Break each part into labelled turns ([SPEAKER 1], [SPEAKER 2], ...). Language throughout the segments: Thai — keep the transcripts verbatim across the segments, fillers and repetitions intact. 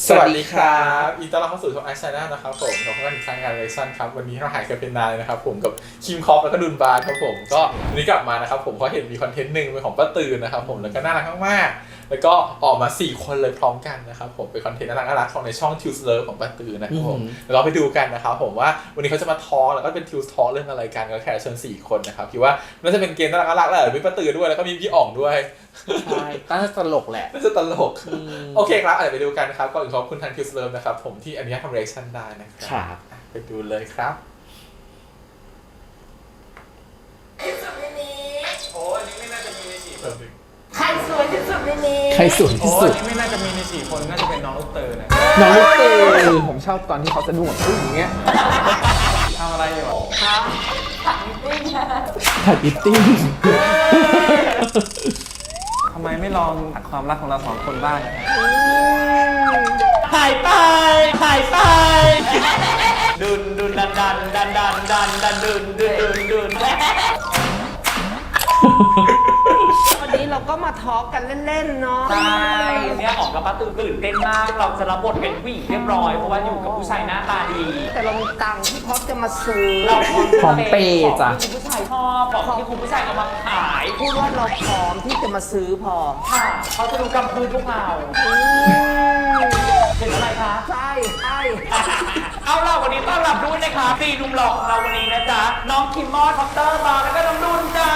[SPEAKER 1] สวัสดีครับอีต้อนรับเข้าสู่ช่องไอซ์ชาแนลนะครับผมกับพวกกันอีกครั้งงานเลชั่นครับวันนี้เราหายกันเป็นนานเลยนะครับผมกับคิมคอปแล้วก็ดุนบาร์ครับผมก็วันนี้กลับมานะครับผมเพราะเห็นมีคอนเทนต์หนึ่งเป็นของป้าตื่นนะครับผมแล้วก็น่ารักมากๆแล้วก็ออกมาสี่คนเลยพร้อมกันนะครับผมเป็นคอนเทนต์น่ารักๆของในช่อง Tues Love ของป้าตื่นนะครับผมเราไปดูกันนะครับผมว่าวันนี้เขาจะมาทอล์กแล้วก็เป็น Tues Talk เรื่องอะไรกันก็แค่เชิญสี่คนนะครับคิดว่าน่าจะเป็นเกมน่ารักๆแหละมีป้าตื่นด้วยแล้วก็มีพี่อ่องด้วย
[SPEAKER 2] ใช่น่าจะตลกแหละ
[SPEAKER 1] น่าจะตลกโอเคครับเดี๋ยวไปดูกันนะครับก็ขอบคุณทาง Tues Love นะครับผมที่อนุญาตทำ reaction ได้นะครับไปดูเลยครับ
[SPEAKER 3] โอ้อันนี้ไม่น่าจะมีในสี่คน
[SPEAKER 4] ใครสวยที่สุดในนี้
[SPEAKER 2] ใครสวย
[SPEAKER 3] โอ้
[SPEAKER 2] ที่สุ
[SPEAKER 3] อั
[SPEAKER 2] ด
[SPEAKER 3] นนี้ไม่น่าจะมีในสี่คนน่าจะเป็นน้องลูกเตอร์นะ
[SPEAKER 2] น้องลูกเตอร์ผมชอบตอนที่เขาสะดุ้งแบบพึ่งอย่างเงี้ย
[SPEAKER 3] ทำอะไรอยู่
[SPEAKER 4] ครับถังติ้ง
[SPEAKER 2] ถ่ายอิตติ้ง
[SPEAKER 3] ทำไมไม่ลองตัดความรักของเราสองคนบ้าง
[SPEAKER 4] หายไปหายไปดุนดุนดันดันดันดันดันดันดุนดุนดุนดุนวันนี้เราก็มาทอล์กกันเล่นๆเนาะ
[SPEAKER 5] ใช่เนี่ยออกกับป้าตื่นตื่นเต้นมาก เราจะรับบทเป็นผู้หญิงเรียบร้อย เพราะว่าอยู่กับผู้ชายหน้าตาดี
[SPEAKER 4] แต่เรามีตังค์ที่พร้อมจะมาซื้อ
[SPEAKER 5] เราพร้อม
[SPEAKER 2] ของเปย์จ้ะ
[SPEAKER 5] ของที่คุณผู้ชายชอบของที่คุณผู้ชายเอามาขาย
[SPEAKER 4] พูดว่าเราพร้อมที่จะมาซื้อพอ
[SPEAKER 5] ค่ะเขาจะดูกำพืนพวกเราเห็นอะไรคะ
[SPEAKER 4] ใช่ใช่
[SPEAKER 5] เอาล่ะวันนี้ต้อนรับด้วยนะคะสี่หนุ่มหล่อของเราวันนี้นะจ๊ะ น้องคิมมอสคอปเตอร์มาแล้วก็น้องดุนจ้า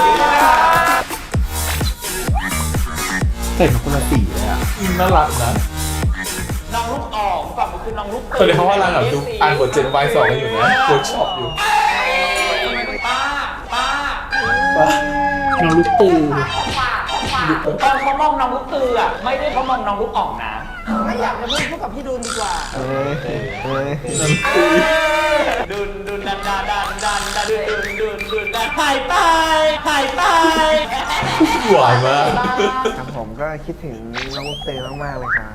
[SPEAKER 2] แต่งคนละสีเลยอ่ะ
[SPEAKER 1] น่ารักนะ
[SPEAKER 5] น้องลูกอ่องฝั่งมือคือน้องลูก
[SPEAKER 1] ตอนนี้เขากำลังแบบดูอ่านบทเจนวายสองอยู่นะเวิร์กช็อปอยู่
[SPEAKER 5] ป้าป้า
[SPEAKER 2] น้องลูกตือ
[SPEAKER 5] ตอนเขามองน้องลูกตืออ่ะไม่ได้เขามองน้องลูกอ่องนะ
[SPEAKER 4] ไม่อยากจะพูดพูดกับพี่ดุลดีกว่า
[SPEAKER 2] เฮ้ยเฮ้ย
[SPEAKER 5] ดุนดุนดันดันดันดันดันดุนดุนดุนดุนดันหายไปหายไป
[SPEAKER 1] หวานมาก
[SPEAKER 6] ครับผมก็คิดถึงน้องลูกเตยมากๆเลยครับ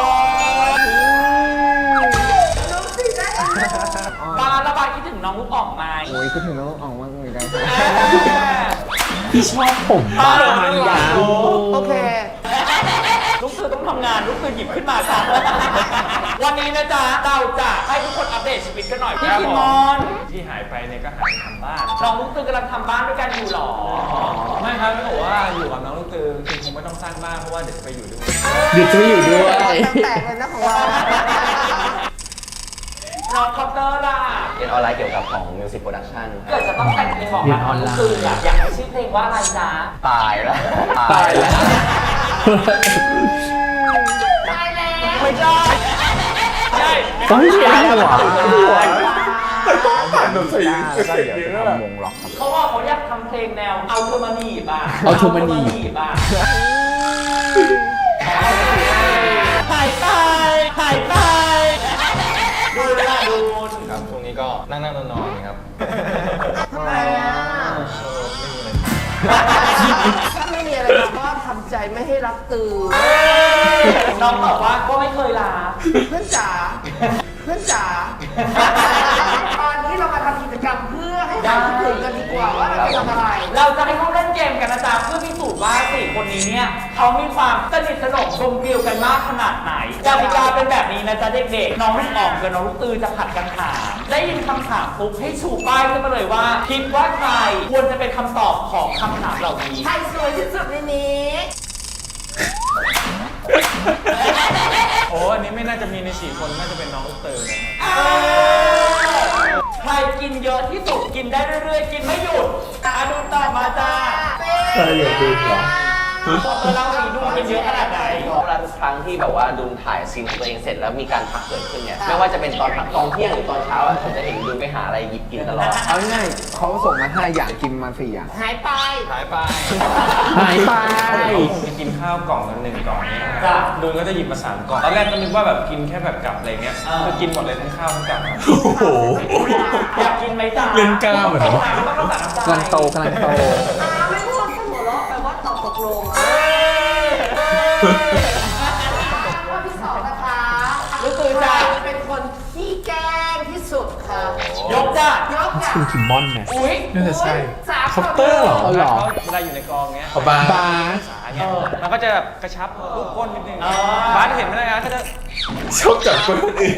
[SPEAKER 5] ปาระบายคิดถึงน้องลูกอ่องไหม
[SPEAKER 6] โอ้ยคิดถึงน้องอ่องมากเหมือนกันครับ
[SPEAKER 2] พี่ชอบผมบ้างมันยาว
[SPEAKER 4] โอเค
[SPEAKER 5] ลูกตือต้องทำงานลูกตือหยิบขึ้นมาค่ะวันนี้นะจ๊ะเราจะให้ทุกคนอัปเดตชีวิตกันหน่อยพี่คิมมอน
[SPEAKER 3] ที่หายไปเนี่ยก็หายไปทำบ้าน
[SPEAKER 5] น้องลูกตือกำลังทำบ้านด้วยกันอยู่หรอ
[SPEAKER 3] ไม่ครับเขาบอกว่าอยู่กับน้องลูกเตอร์คือคงไม่ต้องสร้างบ้านเพราะว่าเดี๋ยวจะไปอยู่ด้วย
[SPEAKER 2] เดี๋ยวจะไม่อยู่ด้วย
[SPEAKER 4] แตกเลยนะของเรา
[SPEAKER 5] น้องคอปเตอร์ล่ะ
[SPEAKER 7] เรียนออนไลน์เกี่ยวกับของ Music Production
[SPEAKER 5] เกิดจะต้องแต่งเพลงบอกรักน้องลูกตืออะอยากให้ชื่อเพลงว่าอะไรจ๊ะ
[SPEAKER 7] ตายแล้ว
[SPEAKER 2] ตายแล้ว
[SPEAKER 4] ตายแล้ว
[SPEAKER 5] ไม่ใช่ใช่
[SPEAKER 2] ต้องเรียนหัว
[SPEAKER 1] แต่ต้องผ่านแบบใส่
[SPEAKER 6] แล้วก็
[SPEAKER 1] เสียง
[SPEAKER 6] เดี๋ยว
[SPEAKER 1] เย
[SPEAKER 6] จะ
[SPEAKER 1] อะแบบ
[SPEAKER 6] ทำวงล็อกครับ
[SPEAKER 5] เขาบอกเขาอยากทำเพลงแนวเอาเธอมาหนีบอ่ะ
[SPEAKER 2] เอาเธอมาหนีบ
[SPEAKER 5] บอ่ะ
[SPEAKER 4] หายไปหายไป
[SPEAKER 5] ดูละดู
[SPEAKER 7] ครับช่วงนี้ก็นั่งนั่งนอนนอนครับ
[SPEAKER 4] ทำไมอ่ะถ้าไม่มีอะไรเราก็ทำใจไม่ให้รักตื่น
[SPEAKER 5] น้องบอกว่าก็ไม่เคยลา
[SPEAKER 4] เพื่อนจ๋าเพื่อนจ๋าตอนนี้เรามาทำกิจกรรมเพื่อให้หายคิดถึงกันดีกว่าว่าเราจะทำอะไร
[SPEAKER 5] เราจะให้เขาเล่นเกมกันนะจ๊ะเพื่อพิสูจน์ว่าสี่คนนี้เนี่ยเขามีความสนิทสนมกลมเกลียวกันมากขนาดไหนกติกาเป็นแบบนี้นะจ๊ะเด็กๆน้องลูกอ่องกับน้องลูกตือจะผัดกันถามได้ยินคำถามปุ๊บให้ชูป้ายขึ้นมาเลยว่า คิดว่าใครควรจะเป็นคำตอบของคำถามเหล่านี้
[SPEAKER 4] ใครสวยที่สุดในนี้
[SPEAKER 3] โอ้อันนี้ไม่น่าจะมีในสี่คนน่าจะเป็นน้องลูกเตอร์นะครับ
[SPEAKER 5] ใครกินเยอะที่สุดกินได้เรื่อยๆ กินไม่หยุดอาดูต่อมาจ้า
[SPEAKER 1] ใช่อย่าดูเหรอ
[SPEAKER 5] เราสีดูกินเยอะขนาดไหน
[SPEAKER 7] เวลาทุกครั้งที่แบบว่าดูถ่ายซีนของตัวเองเสร็จแล้วมีการพักเกิดขึ้นเนี่ย ไม่ว่าจะเป็นตอนพักตอนเที่ยงหรือตอนเช้าอ่ะผมจะเห็นดูไปหาอะไรหยิบกินตลอด
[SPEAKER 6] เอาง่ายๆเขาส่งมาห้าอย่างกินมาสี่อย่าง
[SPEAKER 4] หายไป
[SPEAKER 3] หายไป
[SPEAKER 2] หายไป
[SPEAKER 3] เขาคงจะกินข้าวกล่องละหนึ่งกล่องเนี่ยนะครับดูนก็จะหยิบมาสามกล่อง ตอนแรกก็นึกว่าแบบกินแค่แบบกลับอะไรเงี้ยคือกินหมดเลยทั้งข้าวทั้งกลับครับ
[SPEAKER 1] โอ้โห
[SPEAKER 5] อยากกินไหมจ้า
[SPEAKER 1] เล่นกล้ามเหรอ
[SPEAKER 5] ต้องรักษาน้ำใจ
[SPEAKER 2] กำลังโตกำลังโต
[SPEAKER 4] อาไม่พูดเสมอแล้วแปลว่าตอบตกลงข้อที่สองนะคะ
[SPEAKER 5] รู้ตัวจ้า
[SPEAKER 4] เป็นคนขี้แกล้งที่สุดค่ะ
[SPEAKER 5] ยกจ้าย
[SPEAKER 4] กจ้ะ
[SPEAKER 2] คุณคิมมอนเนี่ย
[SPEAKER 5] อุ้ย
[SPEAKER 1] น่าจะใช่
[SPEAKER 4] สาม
[SPEAKER 2] คอปเตอร์เหรอ
[SPEAKER 3] เขา
[SPEAKER 2] เหรอ
[SPEAKER 3] เวลาอยู่ในกองเงี้ย
[SPEAKER 1] เอาบา
[SPEAKER 2] บาส
[SPEAKER 3] สาเงี้ยมันก็จะแบบกระชับลูกก้นนิดนึง
[SPEAKER 5] อ่า
[SPEAKER 3] บาสเห็นไหมนะก็จะ
[SPEAKER 1] ชอบจับคนอื่น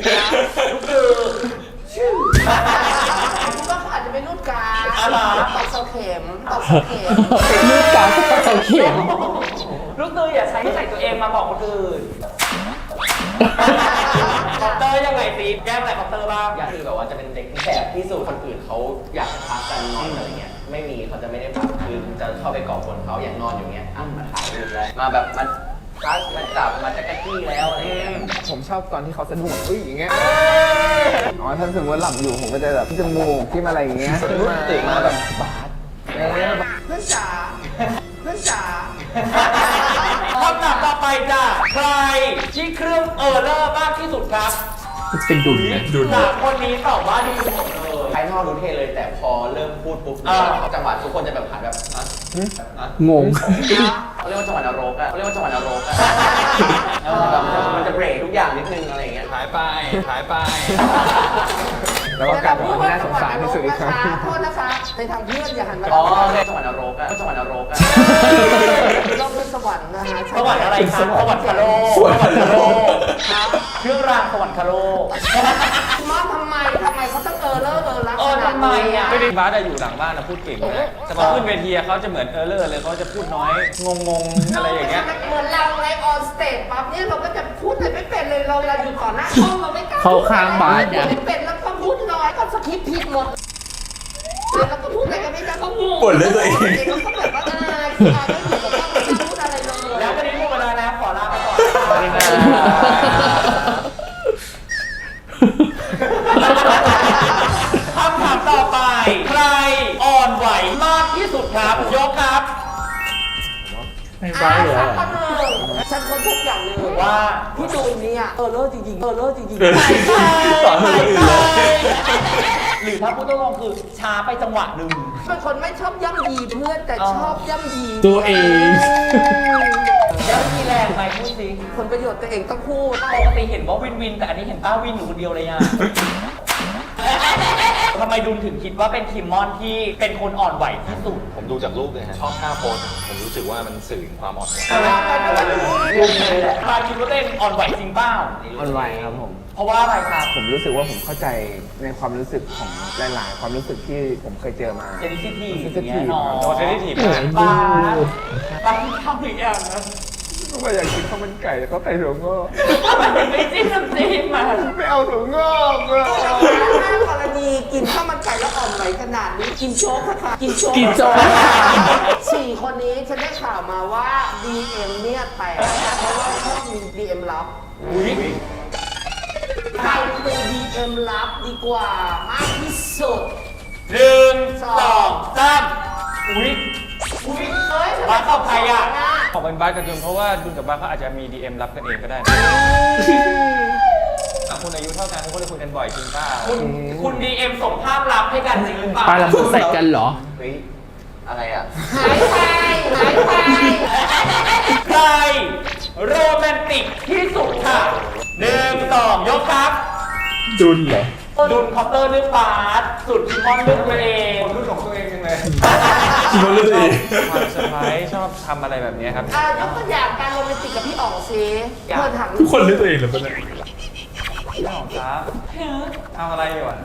[SPEAKER 4] คุณก็อาจจะเป็นนูดกา
[SPEAKER 5] อะไร
[SPEAKER 4] ตอกเสาเข็มตอกเสาเข็ม
[SPEAKER 2] ลูกกาก็เสาเข็ม
[SPEAKER 5] ลูกตืออย่าใช้ใส่ตัวเองมาบอกคนอื่นคอปเตอร์ยังไงตีแก้มอะไรคอปเตอร์บ้าง
[SPEAKER 7] อยากคือแบบว่าจะเป็นเด็กที่แสบที่สุดคนอื่นเขาอยากจะพักกันนอนอะไรเงี้ยไม่มีเขาจะไม่ได้พักคือจะเข้าไปก่อกวนเขาอย่างนอนอยู่เงี้ยอ่ะมาถ่ายรูปแล้วมาแบบมาทักมาจับมาจักรจี้แล้วอะไรเงี้ย
[SPEAKER 6] ผมชอบตอนที่เขาสะดุ้งอุ้ยอย่างเงี้ย อ๋อถ้าสมมติว่าหลับอยู่ผมก็จะแบบที่จมูกที่อะไรอย่างเงี้ย
[SPEAKER 7] ตื่นมาแบบบาส
[SPEAKER 6] เออ
[SPEAKER 4] เพื่อนจ๋าเพื่อนจ๋า
[SPEAKER 5] คำถามต่อไปจ้ะใครที่เครื่องเออร์เลอร์มากที่สุดครับ
[SPEAKER 2] เป็นดุลนะ
[SPEAKER 1] ดุล
[SPEAKER 5] สามคนนี้ตอบว่าดีหมดเลย
[SPEAKER 7] ภายนอกดูเท่เลยแต่พอเริ่มพูดปุ๊บ
[SPEAKER 5] อ่า
[SPEAKER 7] จังหวะทุกคนจะแบบหันแบบอ่ะอ่ะ
[SPEAKER 2] งง
[SPEAKER 7] เขาเรียกว่าจังหวะนรกอะเขาเรียกว่าจังหวะนรกอะเออแบบมันจะเบรกทุกอย่างนิดนึงอะไรอย่างเงี้ยหายไปหายไป
[SPEAKER 6] แล้วก็กลายเป็นคนที่น่าสงสารที่สุดอีกครั้ง
[SPEAKER 4] โทษนะคะในทางเพื่อนอย่าหันมา
[SPEAKER 7] อ๋อจังหวะนรกอะจังหวะนรกอะ
[SPEAKER 4] เราเป็นสวรรค์นะฮะ
[SPEAKER 5] สวรรค์อะไรครับสวรรค์คาโล
[SPEAKER 1] สวรรค์คาโล
[SPEAKER 5] เครื่องรางสวรรค์คาโล
[SPEAKER 4] มอสทำไมทำไมเขาต้องเออเลอร์เออรัก
[SPEAKER 5] เออทำไมอ่ะ
[SPEAKER 3] ไม่ได้บาสอะอยู่หลังบ้านนะพูดเก่งนะแต่พอขึ้นเวทีอะเขาจะเหมือนเออร์เลอร์เลยเขาจะพูดน้อยงงๆอะไรอย่างเงี้ย
[SPEAKER 4] เหมือนเราไงออนสเตจปั๊บเนี่ยเราก็จะพูดอะไรไม่เป็นเลยเราเวลาอยู่ต่อหน้าห้องเราไม่กล้า
[SPEAKER 2] เข้าข้างบาสเนี่ย
[SPEAKER 4] ไม่เป็นแล้วก็พูดน้อยก็สคริปต์ผิดหมดแล้วก็พูดอะไรกันไม่ได้ก็งง
[SPEAKER 1] บ่นเรื่องตัวเอง
[SPEAKER 4] เขาก็แบบว่าอายคืออายไม่อยู่กับเราไม่พูดอะไรเลย
[SPEAKER 5] แล้ววันนี้หมดเวลาแล้วขอลาไปก่อน
[SPEAKER 3] สวัสดีครับ
[SPEAKER 5] คำถามต่อไป ใครอ่อนไหวมากที่สุดครับ ยกครับ
[SPEAKER 1] ไม่
[SPEAKER 4] อ่า
[SPEAKER 1] บ้าเลย
[SPEAKER 4] สั
[SPEAKER 1] อะ
[SPEAKER 4] กคนหนึ่งฉันคนทุกอย่างเลย
[SPEAKER 5] ว่า
[SPEAKER 4] พี่ดูเนี่ยเออเลอร์จริงๆเออเลอร์จริง
[SPEAKER 1] เออ
[SPEAKER 4] ๆ
[SPEAKER 1] สอนคนอื่นเลย
[SPEAKER 5] หรือถ้าพูดตรงๆคือช้าไปจังหวะหนึ่ง
[SPEAKER 4] เป็นคนไม่ชอบย่ำยีเพื่อนแต่ชอบย่ำยี
[SPEAKER 2] ตัวเอง
[SPEAKER 5] แล้วมีแรงไหมพูดสิ
[SPEAKER 4] ผลประโยชน์ตัวเองต้องพูด
[SPEAKER 5] ปกติเห็นว่าวินวิน แต่อันนี้เห็นป้าวินอยู่คนเดียวเลยอ่ะ ทำไมดุลถึงคิดว่าเป็นคิมมอนที่เป็นคนอ่อนไหวที่สุด
[SPEAKER 8] ผมดูจากรูปเลยฮะชอบท่าโพสผมรู้สึกว่ามันสื่อถึงความอ่อนไหว
[SPEAKER 5] ปาคิดว่าตัวเองอ่อนไหวจริงเปล่า
[SPEAKER 6] ออนไลน์ครับผม
[SPEAKER 5] เพราะว่าอะไรครับ
[SPEAKER 6] ผมรู้สึกว่าผมเข้าใจในความรู้สึกของหลาย ๆ ความรู้สึกที่ผมเคยเจอมา
[SPEAKER 5] เซนซิทีฟ
[SPEAKER 6] sensitive
[SPEAKER 5] อย่างเงี้ยเนาะ
[SPEAKER 3] ตัวเซนซิทีฟ
[SPEAKER 2] เหมื
[SPEAKER 3] มา
[SPEAKER 2] อก น
[SPEAKER 5] ป
[SPEAKER 2] ดู
[SPEAKER 5] ลาปลาที่ทำอีกอย่างนะ
[SPEAKER 6] ก็อยากกินข้าวมันไก่แล้วก็ไก่ถั่วงอก
[SPEAKER 5] มันไม่จิ้มน้ำจิ้มมา
[SPEAKER 6] ไม่เอาถั่วงอกเลย
[SPEAKER 4] ถ้ากรณีกินข้าวมันไก่แล้วอ่อนไหวขนาดนี้กินโจ๊กค่ะกินโจ๊ก
[SPEAKER 2] กินโจ๊ก
[SPEAKER 4] สี่คนนี้ฉันได้ข่าวมาว่า ดี เอ็ม เนี่ยแตกเพราะว่าชอบมี ดี เอ็ม ลับ
[SPEAKER 5] อุ้ย
[SPEAKER 4] ใครเป็น ดี เอ็ม ลับดีกว่ามากที่สุด
[SPEAKER 5] หนึ่งสองสามอุ้ยอุ้ย
[SPEAKER 4] เอ้ย
[SPEAKER 5] บาสตอบใครอ่ะ
[SPEAKER 3] ขอเป็นบาสกับดุลเพราะว่าดุลกับบาสเขาอาจจะมี ดี เอ็ม รับกันเองก็ได้นะอ่ะคุณอายุเท่ากันคุณก็เลยคุยกันบ่อยจริงเปล่า
[SPEAKER 5] คุณคุณดีเอ็มส่งภาพลับให้กันจริงหรือเปล่า
[SPEAKER 2] ปลาละมุนใส่กันเหรอ
[SPEAKER 7] เฮ้ยอะไรอ่ะ
[SPEAKER 4] หายไปหายไป
[SPEAKER 5] ใครโรแมนติกที่สุดค่ะหนึ่งสองยกครับ
[SPEAKER 2] ดุลเหรอ
[SPEAKER 5] ดุนคอปเตอร์เลือกบาสสุดคิมมอนเลือกตัวเอง
[SPEAKER 3] คนรุ่นของตัวเองจังเลย
[SPEAKER 1] คิดว่าเรื่องตัวเอง
[SPEAKER 3] ความเซอร์ไพรส์ชอบทำอะไรแบบนี้ครับ
[SPEAKER 4] อ่ะยกตัวอย่างการโรแมนติกกับพี่อ๋องซิเธอถาม
[SPEAKER 1] ทุกคนเรื่องตัวเองเหรือเปล่าเนี่ย
[SPEAKER 3] พี่หอมครับทำอะไรอยู่อ่ะ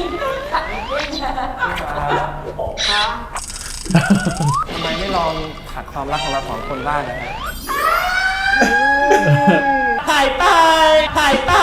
[SPEAKER 4] คะ
[SPEAKER 3] ทำไมไม่ลองผัดความรักของเราสองคนบ้างนะฮะ
[SPEAKER 5] หายไปหายไป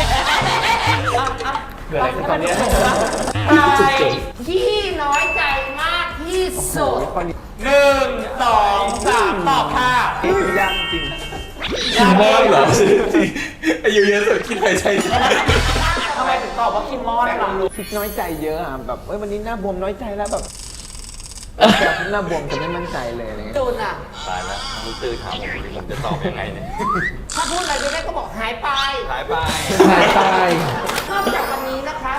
[SPEAKER 3] เกิดอะไรขึ้นตอนเนี้ย
[SPEAKER 5] ใคร
[SPEAKER 4] ที่น้อยใจมากที่สุด
[SPEAKER 5] หนึ่งสองสามตอบค่ะ
[SPEAKER 6] ยากจริง
[SPEAKER 1] คิมมอนเหรอจริงอายุเยอะสุดคิดใครใช่
[SPEAKER 5] ทำไมถึงตอบว่าคิมมอนล่ะ
[SPEAKER 6] คิดน้อยใจเยอะอ่ะแบบเอ้ยวันนี้หน้าบวมน้อยใจแล้วแบบแบบหน้าบวมจะไม่มั่นใจเลยอะไรเงี้ย
[SPEAKER 4] จูนอ่ะ
[SPEAKER 8] ตายแล้วลูกตื้อถามผมผมจะตอบยังไงเนี่ย
[SPEAKER 4] ถ้าพูดอะไรไม่ได้ก็บอกหายไป
[SPEAKER 8] หายไป
[SPEAKER 2] หายไป
[SPEAKER 4] นอกจากวันนี้นะคะบอกเลยนะคะ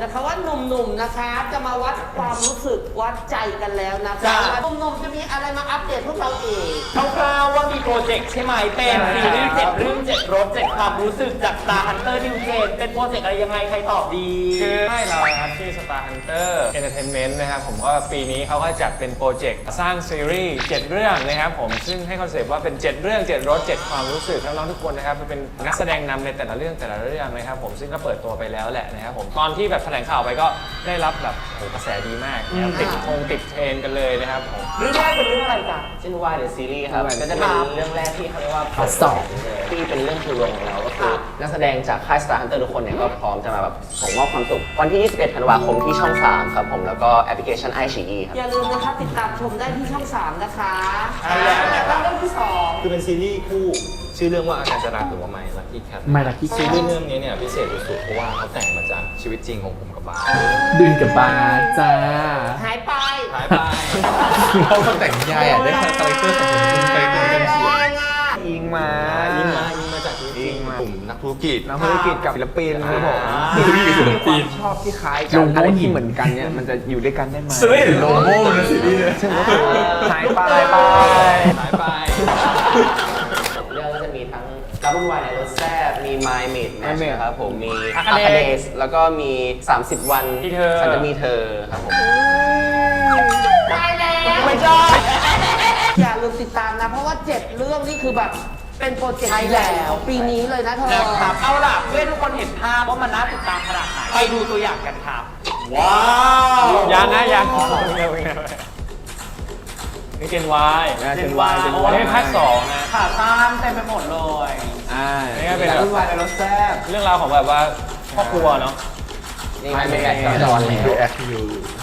[SPEAKER 4] นะคะว่าหนุ่มๆนะคะจะมาวัดความรู้สึกวัดใจกันแล้วนะคะ
[SPEAKER 5] จ้ะ
[SPEAKER 4] หนุ่มๆจะมีอะไรมาอัปเดตพวกเราอีก
[SPEAKER 5] คร่าวๆว่ามีโปรเจกต์ใช่ไหมเป็นซีรีส์เจ็ดเรื่องเจ็ดรสเจ็ดความรู้สึกจาก Star Hunter New Gen เป็นโปรเจกต์อะไรยังไงใครตอบดี
[SPEAKER 3] คือให้เรานะครับชื่อ Star Hunter Entertainment นะครับผมก็ปีนี้เขาก็จัดเป็นโปรเจกต์สร้างซีรีส์เจ็ดเรื่องนะครับผมซึ่งให้คอนเซปต์ว่าเป็นเจ็ดเรื่องเจ็ดรสเจ็ดความรู้สึกน้องๆทุกคนนะครับเป็นนักแสดงนำในแต่ละเรื่องแต่ละเรื่องนะครับผมซึ่งก็เปิดตัวไปแล้วแหละนะครับผมตอนที่แบบแถลงข่าวไปก็ได้รับแบบโหกระแสดีมากนะครับติดคงติดเทรนด์กันเลยนะครับผม
[SPEAKER 5] เรื่องแรกเป็นเรื่องอะไรจ๊ะ
[SPEAKER 7] ชื่อว่า The Series ครับ ก็จะเป็นเรื่องแรกที่เขาเรียกว่า
[SPEAKER 2] พาร์ทสอง
[SPEAKER 7] ที่เป็นเรื่องคือรวมของเราก็คือนักแสดงจากค่าย Star Hunter ทุกคนเนี่ยก็พร้อมจะมาแบบส่งมอบความสุขวันที่ ยี่สิบเอ็ด ธันวาคมที่ช่อง สาม ครับผมแล้วก็แอปพลิเคชัน ไอ ซี อี ครับ
[SPEAKER 4] อย่าลืมนะคะติดตามชมได้ที่ช่อง สาม นะคะ
[SPEAKER 5] ใช่แล้ว
[SPEAKER 4] แล้วเรื่องที่สอง
[SPEAKER 8] คือเป็นซีรีส์คู่ชื่อเรื่องว่าอาการจะรักหรือว่าไม่ลักกี้แคท
[SPEAKER 2] My Lucky Cat
[SPEAKER 8] ซีรีส์เรื่องนี้เนี่ยพิเศษสุดๆเพราะว่าเขาแต่งมาจากชีวิตจริงของผมกับบ้าน
[SPEAKER 2] ดุนกับบาร์จ้า
[SPEAKER 4] หายไป
[SPEAKER 8] หายไป
[SPEAKER 1] คือเขาคนแต่งนิยายอ่ะได้คาแรคเตอร์ของคนเป็นคาแรคเตอร์กันเขียน
[SPEAKER 6] อิงมา
[SPEAKER 8] ยิงมายิงมาจากชีวิตจริงกลุ่มนักธุรกิจ
[SPEAKER 6] นักธุรกิจกับศิลปินครับผม
[SPEAKER 1] ธุรกิจกับศิลปิน
[SPEAKER 6] ชอบที่คล้ายกั
[SPEAKER 2] โล
[SPEAKER 6] น
[SPEAKER 2] โก้
[SPEAKER 6] อะไร
[SPEAKER 2] หิ
[SPEAKER 6] ที่
[SPEAKER 2] น
[SPEAKER 6] เหมือนกันเนี่ยมันจะอยู่ด้วยกันได้ไหม
[SPEAKER 1] จะไม่เห็นโลโก้ในซีรีส์เลย
[SPEAKER 6] ซึ่งก็คือหายไป
[SPEAKER 3] ไป
[SPEAKER 8] หายไป
[SPEAKER 7] เรื่องก็จะมีทั้งการวุ่นวายในรถแซ่บมี My Mate Match
[SPEAKER 6] My Mate
[SPEAKER 7] นะครับผมมี
[SPEAKER 3] Arcade
[SPEAKER 7] Arcade แล้วก็มี สามสิบ วัน
[SPEAKER 3] ที่เธอ
[SPEAKER 7] ฉันจะมีเธอครับผม
[SPEAKER 4] ได้แล้ว
[SPEAKER 5] ไม่ใช่
[SPEAKER 4] อย่าลืมติดตามนะ เพราะว่าเจ็ดเรื่องนี่คือแบบเป็นโปรเจกต์ใหญ่ของปีนี้เลยนะเธอ
[SPEAKER 5] นะครับเอาล่ะเพื่อให้ทุกคนเห็นภาพว่ามันน่าติดตามขนาดไหนไปดูตัวอย่างกันครับ ว้าว
[SPEAKER 3] ยังนะยังนี่เจนวาย
[SPEAKER 6] นะเจนวายเจน
[SPEAKER 3] อั
[SPEAKER 6] วาน ย
[SPEAKER 3] นี้เป็นภาคสองนะ
[SPEAKER 5] ขาตั้งเต็มไปหมดเลย
[SPEAKER 6] อ่า
[SPEAKER 3] นี่ก็เป็น
[SPEAKER 6] การวุ่นวายในรถแซ่บ
[SPEAKER 3] เรื่องราวของแบบว่าครอบครัวเนาะ
[SPEAKER 7] นี่มันเป็นแบบจอนแล้ว
[SPEAKER 1] ดูแอคยู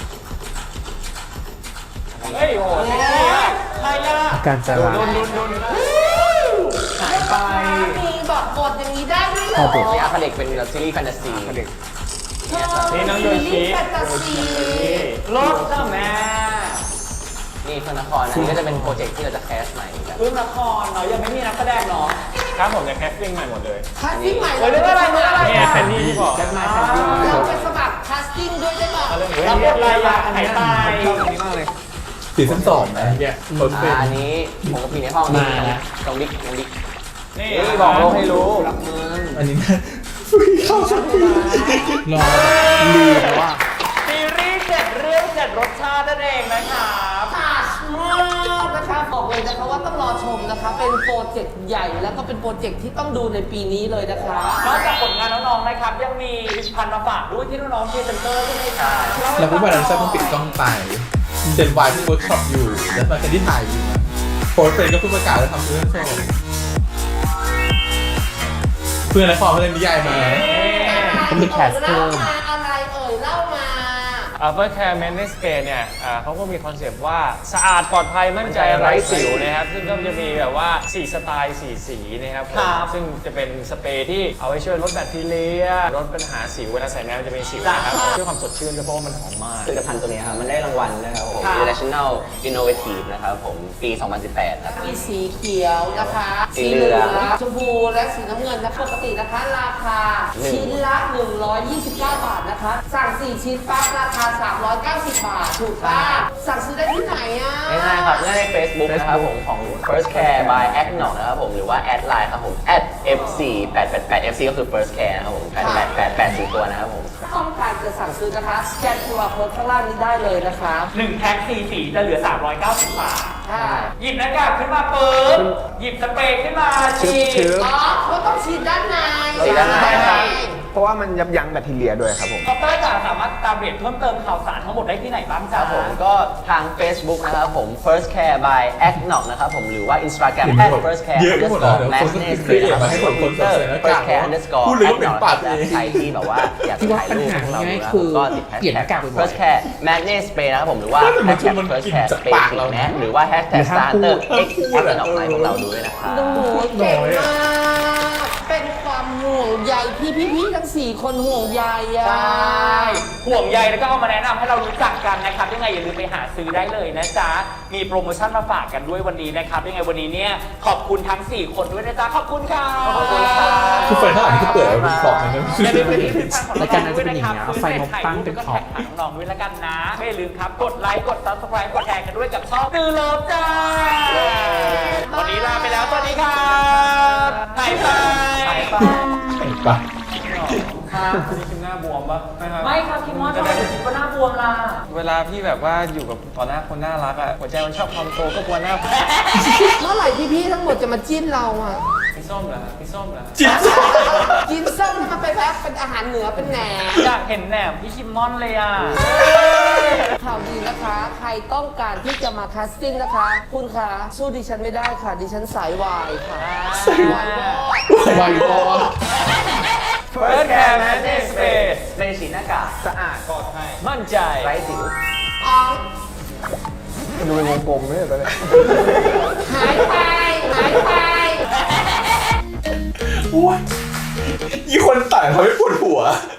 [SPEAKER 3] เฮ้ยโอ้โหเซ็กซี่มาก
[SPEAKER 5] ใครอ่ะ
[SPEAKER 2] การจะรัก
[SPEAKER 4] หายไป มีบอกบทอย่างนี้ได้ด้วยเหรอ
[SPEAKER 7] นี่อาคาเด็กเป็นซีรีส์แฟนตาซี
[SPEAKER 6] เด็ก
[SPEAKER 3] นี่น้องโยชิ
[SPEAKER 4] แฟนตาซี
[SPEAKER 5] รถจ้าแม่
[SPEAKER 7] นี่เพื่อนนครอันนี้ก็จะเป็นโปรเจกต์ที่เราจะแคสใหม่กัน
[SPEAKER 5] เรื่องละครเนาะยังไม่มีนักแสดงเนาะ
[SPEAKER 3] ครับผมจะแคสติ้งใหม่หมดเลย
[SPEAKER 4] คัสติ้งใหม่
[SPEAKER 5] เฮ้ยเรื่องอะไรเรื่องอะไร
[SPEAKER 3] เนี่ยแคนดี้ที่บอก
[SPEAKER 6] แจ็คไนท์แคนดี้
[SPEAKER 4] เราไปสมัครคัสติ้งด้วยได้ป่ะ
[SPEAKER 5] รับบทอะไรอ่ะหายตาย
[SPEAKER 6] ชอบอันนี้มากเลย
[SPEAKER 1] ซีซั่นสองนะเนี่ยรถเป็น
[SPEAKER 7] อ่าอันนี้ผมกับพี่ในห้องนี้น้องดิ๊กน้องดิ๊ก
[SPEAKER 3] นี่
[SPEAKER 7] นี่บอกโลกให้รู้
[SPEAKER 6] รักเมือง
[SPEAKER 1] อันนี้นะเข้าสักที
[SPEAKER 2] รอลืมว่า
[SPEAKER 5] ซีรีส์เจ็ดเรื่องเจ็ดรสชาตินั่นเองนะครับ
[SPEAKER 4] ผ่านมากนะคะบอกเลยนะคะว่าต้องรอชมนะคะ เป็นโปรเจกต์ใหญ่แล้วก็เป็นโปรเจกต์ที่ต้องดูในปีนี้เลยนะคะ
[SPEAKER 5] นอกจากผลงานน้องๆนะครับยังมีผลิตภัณฑ์มาฝากด้วยที่น้องๆพรีเซนเตอร์ใช่ไหมคะ
[SPEAKER 1] แล้วก็วันนั้นจะต้องปิดกล้องไปเจนวายเพิ่งเวิร์กช็อปอยู่ แล้วมาแคนที่ถ่ายอยู่นะโพสต์เฟซก็เพิ่งประกาศแล้วทำเรื่องโชว์เพื่อนและฟอร์มเล่นนิยายมา
[SPEAKER 2] ต้องมีแคสเพิ่ม
[SPEAKER 4] อะไรเอ่ยเล่ามา
[SPEAKER 3] อัลเฟอร์แคร์แมนเนสเปเนี่ยอ่าเขาก็มีคอนเซปต์ว่าสะอาดปลอดภัยมั่นใจไร้สิวนะครับซึ่งก็จะมีแบบว่าสี่สไตล์สี่สีนะครับผมซึ่งจะเป็นสเปรย์ที่เอาไว้ช่วยลดแบคทีเรียลดปัญหาสิวเวลาใส่แมสมันจะเป็นสิวนะครับช่วยความสดชื่นด้วยเพราะว่ามันหอมมาก
[SPEAKER 7] ผลิตภัณฑ์ตัวนี้ครับมันได้รางวัลนะครับผม International Innovative นะครับผมปี สองพันสิบแปดครับ
[SPEAKER 4] มีสีเขียวนะคะ
[SPEAKER 7] สีเหลือง
[SPEAKER 4] ชมพูและสีน้ำเงินนะคะปกตินะคะราคาชิ้นละหนึ่งร้อยยี่สิบเก้าบาทนะคะสั่งสี่ชิ้นปั๊บราคาสามร้อยเก้าสิบบาทถูกป่ะสั่งซื้อได้ที่ไหนอ่ะ
[SPEAKER 7] ง่ายๆครับง่ายใน Facebook นะครับผมของ First Care by Act หนองนะครับผมหรือว่าแอดไลน์ครับผม แอท เอฟ ซี แปดแปดแปด เอฟ ซี ก็คือ First Care นะครับผมแปดแปดแปด แปดสี่ตัวนะครับผม
[SPEAKER 4] ต้องการจะสั่งซื้อนะคะสแกนตัวโค้ดข้างล่างนี้ได้เลยนะคะ
[SPEAKER 5] หนึ่งแพ็คสี่สีจะเหลือสามร้อยเก้าสิบบาท
[SPEAKER 4] ค่ะ
[SPEAKER 5] หยิบหน้ากากขึ้นมาปึ๊บหยิบสเปรย์ขึ้นมาฉีด
[SPEAKER 4] อ๋อเขาต้องฉีดด้านใน
[SPEAKER 7] ฉีดด้านในครับ
[SPEAKER 6] เพราะว่ามันยับยั้งแบคทีเรียด้วยครับผม
[SPEAKER 5] คอปเตอร์จ๋าสามารถตามเรียนเพิ่มเติมข่าวสารทั้งหมดได้ที่ไหนบ้าง
[SPEAKER 7] ค
[SPEAKER 5] จ๊ะ
[SPEAKER 7] รับผมก็ทาง Facebook นะครับผม First Care by Act หนองนะครับผมหรือว่า Instagram
[SPEAKER 1] เห็น
[SPEAKER 7] at
[SPEAKER 1] แบบ
[SPEAKER 7] first care
[SPEAKER 1] เยอะไปหมดแล้ว
[SPEAKER 7] underscore
[SPEAKER 1] เดี๋ยวคนก็
[SPEAKER 7] madness
[SPEAKER 1] ครีเอทมาให้คนคนใส่หน้ากาก
[SPEAKER 7] first care underscore
[SPEAKER 1] พูดเลยว่า
[SPEAKER 7] act
[SPEAKER 1] เป็นปากเอง
[SPEAKER 7] ใครที่แบบว่าอยากจะถ่ายรูปพวกเราดูนะ
[SPEAKER 2] คือ
[SPEAKER 7] ก็ติด
[SPEAKER 2] เปลี่ยนหน้ากาก
[SPEAKER 7] hashtag
[SPEAKER 2] บ่อยๆ
[SPEAKER 7] first care madness spray นะครับผมหรือว่า
[SPEAKER 1] แต่มันคือ
[SPEAKER 7] hashtag
[SPEAKER 1] มัน
[SPEAKER 7] first
[SPEAKER 1] กลิ่น
[SPEAKER 7] care
[SPEAKER 1] จาก
[SPEAKER 7] spray
[SPEAKER 1] ปากเรา
[SPEAKER 7] แมสหรือว่า hashtag
[SPEAKER 2] หรือถ้า
[SPEAKER 7] starter
[SPEAKER 2] พูด
[SPEAKER 7] x แอปดอกไม้พวกเราดูด้วยนะครับ
[SPEAKER 4] โอ้โหเก่งมาก เป็นความห่วงวงใยที่พี่ๆทั้งสี่คนห่วงใยอะ
[SPEAKER 5] ใช่ห่วงใยแล้วก็เอามาแนะนำให้เรารู้จักกันนะครับยังไงอย่าลืมไปหาซื้อได้เลยนะจ๊ะมีโปรโมชั่นมาฝากกันด้วยวันนี้นะครับยังไงวันนี้เนี่ยขอบคุณทั้งสี่คนด้วยนะจ๊ะขอบคุณค่ะขอบคุณค่ะ
[SPEAKER 1] คือไฟข้างหลังนี่คือเปิดแล้วมีคล็อกนะ
[SPEAKER 5] อย่าลืมไปที่ผลิตภัณฑ์ของ
[SPEAKER 2] รายการน่าจะเป็นอย่างเงี้ย
[SPEAKER 5] ซื้
[SPEAKER 2] ไฟนกตั้งเป็นขอบ
[SPEAKER 5] แท็กหาน้องๆด้วยละกันนะไม่ลืมครับกดไลค์กด ซับสไครบ์ กดแชร์กันด้วยกับช่องตือเลิฟจ้าวันนี้ลาไปแล้วสวัสดีครับบายบาย
[SPEAKER 1] ไป
[SPEAKER 3] ครับนี่คือหน้าบวมปะนะครับ
[SPEAKER 5] ไม่ครับคิมมอนทำไมถึงคิดว่าหน้าบวมล่ะ
[SPEAKER 3] เวลาพี่แบบว่าอยู่กับต่อหน้าคนน่ารักอะหัวใจมันชอบความโตก็กลัวหน้า
[SPEAKER 4] เมื่อไหร่พี่ๆทั้งหมดจะมาจิ้นเราอะ
[SPEAKER 3] พี่ส้มเหรอพี่ส้มเหรอ
[SPEAKER 1] จิ๊บ
[SPEAKER 4] กินส้มให้มันไปแพ็คเป็นอาหารเหนือเป็นแหนม
[SPEAKER 5] อยากเห็นแหนมพี่คิมมอนเลยอ่ะ
[SPEAKER 4] ข่าวดีนะคะ ใครต้องการที่จะมาคัสติ้งนะคะ คุณคะสู้ดิฉันไม่ได้ค่ะ ดิฉันสายวายค่ะ
[SPEAKER 1] สายวาย ไวพอ
[SPEAKER 5] First Care Management Space
[SPEAKER 7] ในสีหน้ากากสะอาด
[SPEAKER 5] มั่นใจ
[SPEAKER 7] ไร้สิว
[SPEAKER 4] อ๋อง
[SPEAKER 6] มันดูเป็นวงกลมเนี่ยตอนเนี้ย
[SPEAKER 4] หายไป หายไป
[SPEAKER 1] โอ้ยยี่คนต่างเขาไม่ปวดหัว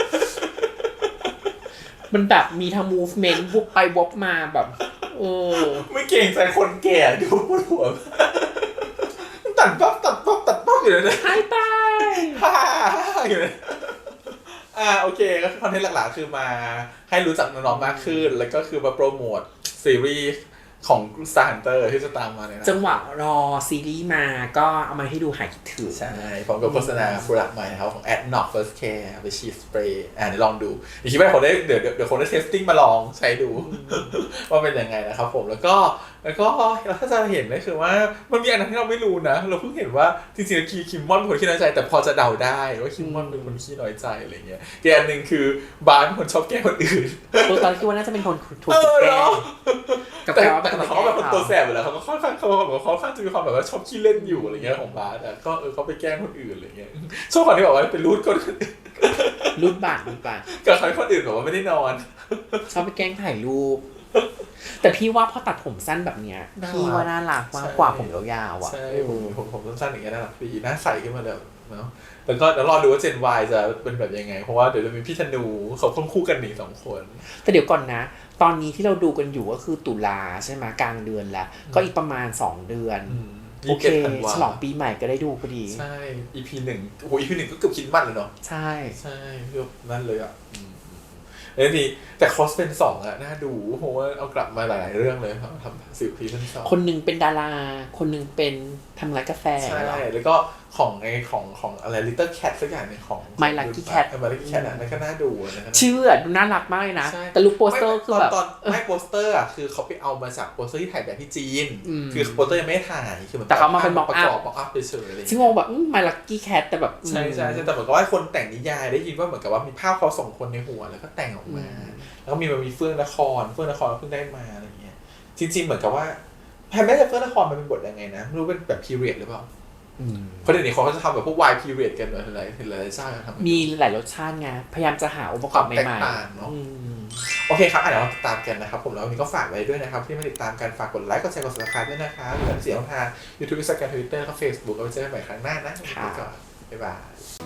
[SPEAKER 2] มันแบบมีทั้ง movement วุบไปวบมาแบบเออ
[SPEAKER 1] ไม่เก่งใจคนแก่ดูปวดหัว ตัดปั๊บตัดปั๊บตัดปั๊บอยู่เลยนะ
[SPEAKER 2] หายไป
[SPEAKER 1] ฮ่าอยู่เลยอ่าโอเคก็คือคอนเทนต์หลักๆคือมาให้รู้จักน้องๆมากขึ้น แล้วก็คือมาโปรโมทซีรีส์ของ Star Hunter ที่จะตามมาเนี่ยนะ
[SPEAKER 2] จังหวะรอซีรีส์มาก็เอามาให้ดูหายคิดถึง
[SPEAKER 1] ใช่พร้อมกับโฆษณาโปรดักต์ใหม่นะครับของ Adnoc First Care ไปฉีดสเปรย์อ่าเดี๋ยวลองดูเดี๋ยวคิดว่าคนได้เดี๋ยวเดี๋ยวเดี๋ยวคนได้เทสติ้งมาลองใช้ดู ว่าเป็นยังไงนะครับผมแล้วก็แล้วก็ถ้าจะเห็นก็คือว่ามันมีอันนั้นที่เราไม่รู้นะ เราเพิ่งเห็นว่าจริงๆคีคิมมอนเป็นคนขี้น้อยใจแต่พอจะเดาได้ว่าคิมมอนเป็นคนขี้น้อยใจอะไรเงี้ยอีกอันหนึ่งคือบาร์เป็นคนชอบแกล้งคนอื่น
[SPEAKER 2] ตัวตอนคิดว่าน่าจะเป็นคนถูก
[SPEAKER 1] เออ
[SPEAKER 2] แกล้
[SPEAKER 1] เนาะ
[SPEAKER 2] งกับ
[SPEAKER 1] แต่
[SPEAKER 2] แกว่า
[SPEAKER 1] แต่
[SPEAKER 2] เป็นคน
[SPEAKER 1] เขา
[SPEAKER 2] แกล้
[SPEAKER 1] เป็น
[SPEAKER 2] ง
[SPEAKER 1] คน
[SPEAKER 2] เขา
[SPEAKER 1] ตัวแสบอยู่แล้วเขาก็ค่อนข้างเขาแบบเขาค่อนข้างจะมีความแบบว่าชอบขี้เล่นอยู่อะไรเงี้ยของบาร์แต่ก็เออเขาไปแกล้งคนอื่นอะไรเงี้ยชอบคนที่บอกว่าเป็นรูทคนอื่น
[SPEAKER 2] รูดบาทรูดบาท
[SPEAKER 1] กับใครคนอื่นบอกว่าไม่ได้นอน
[SPEAKER 2] ชอบไปแกล้งถ่ายรูป แต่พี่ว่าพอตัดผมสั้นแบบเนี้ย
[SPEAKER 1] น่ารัก
[SPEAKER 2] พี่ว่าน่ารักมาก
[SPEAKER 1] ใช่
[SPEAKER 2] กว่าผมยาวๆอ่ะ
[SPEAKER 1] ใช่ผมผมผมสั้นๆอย่างเงี้ยน่ารักดีหน้าใสขึ้นมาเลยเนาะแล้วก็เดี๋ยวรอดูว่า Gen Y จะเป็นแบบยังไงเพราะว่าเดี๋ยวจะมีพี่ธนูเขาค่อนคู่กันหนีสองคน
[SPEAKER 2] แต่เดี๋ยวก่อนนะ ตอนนี้ที่เราดูกันอยู่ก็คือตุลาใช่ไหมกลางเดือนแล้ว ก็อีกประมาณสองเดือน โอเค
[SPEAKER 1] ธันวา
[SPEAKER 2] ฉลองปีใหม่ก็ได้ดูพอดี
[SPEAKER 1] ใช่ อี พี หนึ่งโอ้โห อี พี หนึ่งก็เกือบคิดมันเลยเนาะ
[SPEAKER 2] ใช่
[SPEAKER 1] ใช่เกือบนั่นเลยอ่ะอืมแล้วทีแต่คอสเป็นสองอะน่าดูเพราะว่าเอากลับมาหลายๆเรื่องเลยครับทำสิบซีซั่นสอง
[SPEAKER 2] คนหนึ่งเป็นดารา คนหนึ่งเป็นทำร้านกาแฟ
[SPEAKER 1] ใช่
[SPEAKER 2] เหรอ
[SPEAKER 1] แล้วก็ของไอของของอะไร Little Cat สักอย่างหนึงของ
[SPEAKER 2] My Lucky Cat
[SPEAKER 1] เออ My Lucky Cat อ่ะนั่นก็น่าดูนะครับ
[SPEAKER 2] ชื่ออะดูน่ารักมากเลยนะ
[SPEAKER 1] ใช่
[SPEAKER 2] แต่ลูกโปสเตอร์คือแบบ
[SPEAKER 1] ตอนตอนไม่โปสเตอร์อ่ะคือเขาไปเอามาจากโปสเตอร์ที่ถ่ายแบบที่จีน
[SPEAKER 2] อืม
[SPEAKER 1] คือโปสเตอร์ยังไม่ได้ถ่ายคือหมือน
[SPEAKER 2] แต่เขามาเป็น mock up
[SPEAKER 1] ประกอบ mock up เฉยๆอะไรอย่าง
[SPEAKER 2] ซึ่ง
[SPEAKER 1] เงี้ย
[SPEAKER 2] งงแบบมาลักกี้แคทแต่แบบ
[SPEAKER 1] ใช่ใช่ใช่แต่เหมือนกับว่าคนแต่งนิยายได้ยินว่าเหมือนกับว่ามีภาพเขาสองคนในหัวแล้วก็แต่งออกมา แล้วก็มีมันมีเฟื่องนครเฟื่องนครเพิ่งได้มาอะไรอย่างเงี้ยจริงๆเหมือนกับว่าแพนไม่ใช่เฟื่องนครมันเป็นบทยังไงนะไม่รู้เป็นแบบ period หรือเปล่า
[SPEAKER 2] อืม
[SPEAKER 1] เพราะเดี๋ยวนี้เขาก็จะทำแบบพวก Y period กันเลยหลายหลายๆชาติทำ
[SPEAKER 2] มีหลายรสชาติไงพยายามจะหาองค์ประกอบ
[SPEAKER 1] ความแตก
[SPEAKER 2] ใหม่
[SPEAKER 1] ต่างเนอะ
[SPEAKER 2] ๆอืม
[SPEAKER 1] โอเคครับอ่ะเดี๋ยวเราติดตามกันนะครับผมแล้ววันนี้ก็ฝากไว้ด้วยนะครับที่มาติดตามกันฝากกดไลค์กดแชร์กด subscribe ด้วยนะครับเหลือเสียงทาง YouTube Instagram Twitter แล้วก็ Facebook เอาไว้เจอกันใหม่ครั้งหน้านะวันนี้ไปก่อนบ๊ายบาย